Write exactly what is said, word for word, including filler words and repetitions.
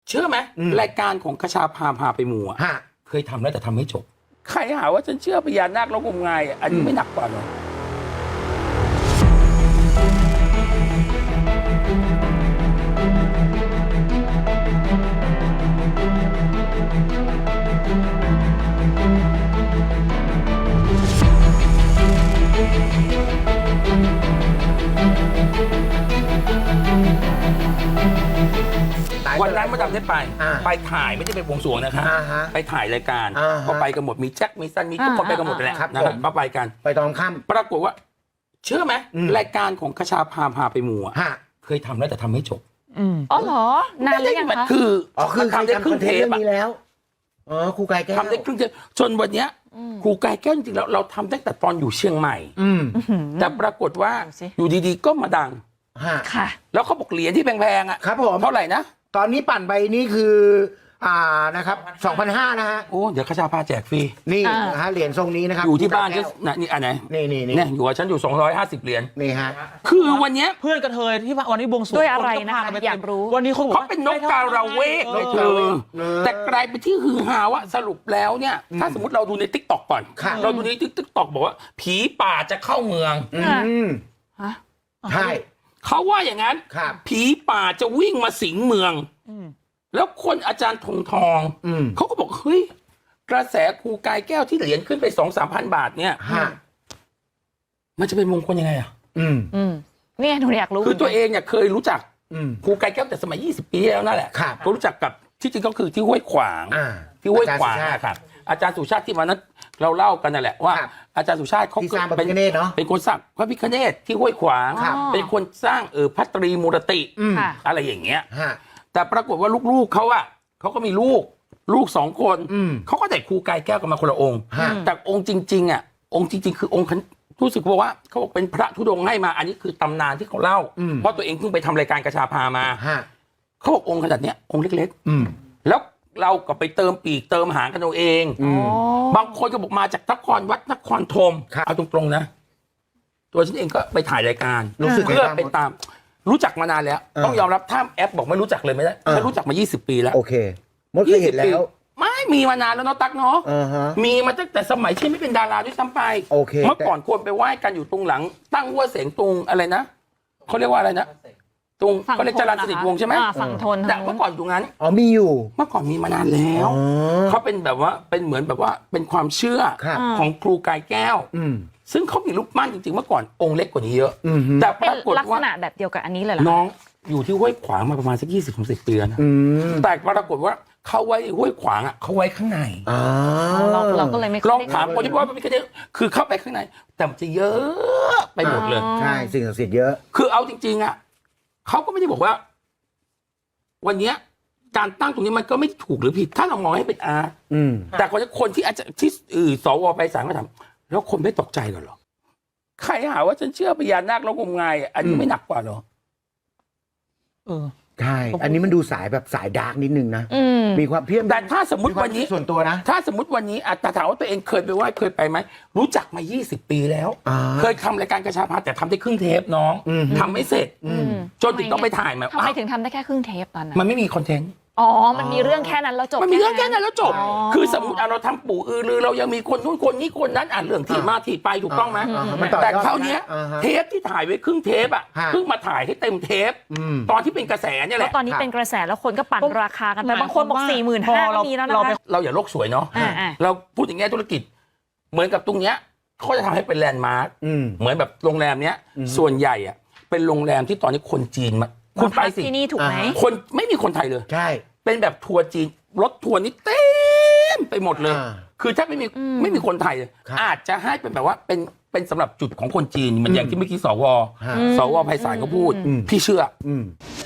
เชื่อไหมรายการของคชาพาพาไปมูอ่ะเคยทำแล้วแต่ทำไม่จบใครหาว่าฉันเชื่อพญานาคแล้วงมงายอันนี้ไม่หนักกว่าหรอวันนั้นมาดำได้ไปไปถ่ายไม่ได้ไปบวงสรวงนะคะไปถ่ายรายการก็ไปกันหมดมีแจ็คมีซันมีทุกคนไปกันหมดแหละนะครับก็ไปกันไปตอนค่ำปรากฏว่าเชื่อไหมรายการของคชาพาพาไปมูอ่ะเคยทำแล้วแต่ทำไม่จบอ๋อเหรอนานแล้วยังคะคืออ๋อคือทำได้ครึ่งเทปนี้แล้วอ๋อครูกายแก้วทำได้ครึ่งเทปจนวันเนี้ยครูกายแก้วจริงๆแล้วเราทำตั้งแต่ตอนอยู่เชียงใหม่แต่ปรากฏว่าอยู่ดีๆก็มาดังค่ะแล้วเขาบอกเหรียญที่แพงๆอ่ะครับผมเท่าไหร่นะตอนนี้ปั่นไปนี่คืออ่านะครับ สองพันห้าร้อย นะฮะโอ้เดี๋ยวคชาพาแจกฟรีนี่นะฮะเหรียญทรงนี้นะครับอยู่ที่บ้านก็นี่อันไหนนี่นี่นี่อยู่กับฉันอยู่สองร้อยห้าสิบเหรียญนี่ฮะคือวันนี้เพื่อนกระเทยที่วันนี้บวงสรวงด้วยอะไรนะคะอยากรู้วันนี้เขาบอกเขาเป็นนกกาละเวกเลยเธอแต่กลายเป็นที่ฮือฮาว่าสรุปแล้วเนี่ยถ้าสมมติเราดูใน ติ๊กต็อก ก่อนเราดูใน ติ๊กต็อก บอกว่าผีป่าจะเข้าเมืองใช่เขาว่าอย่างนั้นผีป่าจะวิ่งมาสิงเมืองแล้วคนอาจารย์ธงทองเขาก็บอกเฮ้ยกระแสครูกายแก้วที่เหรียญขึ้นไปสองสามพันบาทเนี่ยมันจะเป็นมงคลยังไงอ่ะอืมอืมเนี่ยหนูอยากรู้คือตัวเองเนี่ยเคยรู้จักครูกายแก้วแต่สมัยยี่สิบปีแล้วนั่นแหละก็รู้จักกับที่จริงก็คือที่ห้วยขวางที่ห้วยขวางนะครับอาจารย์สุชาติที่วันนั้นเราเล่ากันนั่นแหละว่าอาจารย์สุชาติเขาเป็นเป็นคนสร้างพระพิฆเนศที่ห้วยขวางเป็นคนสร้างเออพัตรีมูรติอะไรอย่างเงี้ยแต่ปรากฏว่าลูกๆเขาอะเขาก็มีลูกลูกสองคนเขาก็ได้ครูกายแก้วกันมาคนละองค์แต่องค์จริงๆอะองค์จริงๆคือองค์รู้สึกว่าเขาบอกเป็นพระธุดงค์ให้มาอันนี้คือตำนานที่เขาเล่าเพราะตัวเองเพิ่งไปทำรายการกระชาพามาเขาบอกองค์ขนาดเนี้ยองค์เล็กๆแล้วเราก็ไปเติมปีกเติมหางกันเอาเองบางคนก็บอกมาจากนครวัดนครธมเอาตรงๆนะตัวฉันเองก็ไปถ่ายรายการเพื่อไปตามรู้จักมานานแล้วต้องยอมรับถ้าแอปบอกไม่รู้จักเลยไม่ได้ฉันรู้จักมายี่สิบปีแล้วโอเคมดเคยเห็นแล้วไม่มีมานานแล้วเนาะตั๊กเนาะมีมาตั้งแต่สมัยที่ไม่เป็นดาราด้วยซ้ำไปเมื่อก่อนควรไปไหว้กันอยู่ตรงหลังตั้งวัวเสงตรงอะไรนะเขาเรียกว่าอะไรนะตรงเขาเรียกจรัญสนิทวงศ์ใช่ไหมฝั่งทนแต่เมื่อก่อนตรงนั้นอ๋อมีอยู่เมื่อก่อนมีมานานแล้วเขาเป็นแบบว่าเป็นเหมือนแบบว่าเป็นความเชื่อของครูกายแก้วซึ่งเขามีรูปปั้นจริงๆเมื่อก่อนองค์เล็กกว่านี้เยอะแต่ปรากฏว่าลักษณะแบบเดียวกับอันนี้เลยเหรอน้องอยู่ที่ห้วยขวางมาประมาณสักยี่สิบถึงสิบปีนะแต่ปรากฏว่าเขาไว้ห้วยขวางอ่ะเขาไว้ข้างในเราเราก็เลยไม่ลองถามคนที่ว่าไม่ได้คือเข้าไปข้างในแต่มันจะเยอะไปหมดเลยใช่สิ่งศักดิ์สิทธิ์เยอะคือเอาจริงๆอ่ะเขาก็ไม่ได้บอกว่าวันนี้การตั้งตรงนี้มันก็ไม่ถูกหรือผิดถ้าเรามองให้เป็นอาร์ตแต่คนคนที่อาจจะที่สวไปสารก็ถามแล้วคนไม่ตกใจกันหรอใครหาว่าฉันเชื่อพญานาคแล้วงมงายอันนี้ไม่หนักกว่าหรอเออใช่อันนี้มันดูสายแบบสายดาร์กนิดนึงนะมีความเพี้ยนแต่ถ้าสมมติวันนี้ส่วนตัวนะถ้าสมมติวันนี้อาจจะถามว่าตัวเองเคยไปไหว้เคยไปไหมรู้จักมายี่สิบปีแล้วเคยทำรายการกระชาพาแต่ทำได้ครึ่งเทปน้องทำไม่เสร็จจนถึงต้องไปถ่ายมาทำไมถึงทำได้แค่ครึ่งเทปตอนนั้นมันไม่มีคอนเทนต์อ๋อมันมีเรื่องแค่นั้นแล้วจบมันมีเรื่องแค่นั้นแล้วจบคือสมมติเราทำปู่อือรือเรายังมีคนนู้นคนนี้คนนั้นอ่านเรื่องที่มาที่ไปถูกต้องไหมแต่คราวนี้เทปที่ถ่ายไว้ครึ่งเทปอ่ะเพิ่งมาถ่ายให้เต็มเทปตอนที่เป็นกระแสเนี่ยแหละตอนนี้เป็นกระแสแล้วคนก็ปั่นราคากันไปบางคนบอกสี่หมื่นห้าก็มีแล้วนะคะเราอย่าโลกสวยเนาะเราพูดอย่างเงี้ยธุรกิจเหมือนกับตรงเนี้ยเขาจะทำให้เป็นแลนด์มาร์คเหมือนแบบโรงแรมเนี้ยส่วนใหญ่อ่ะเป็นโรงแรมที่ตอนนี้คนจีนมาคุณไปสิที่นี่ถูกไหมคนไม่มีคนไทยเลยใช่เป็นแบบทัวร์จีนรถทัวร์นี่เต็มไปหมดเลยคือถ้าไม่มีไม่มีคนไทยอาจจะให้เป็นแบบว่าเป็นเป็นสำหรับจุดของคนจีนเหมือนอย่างที่เมื่อกี้สวสวไพศาลเขาพูดพี่เชื่อ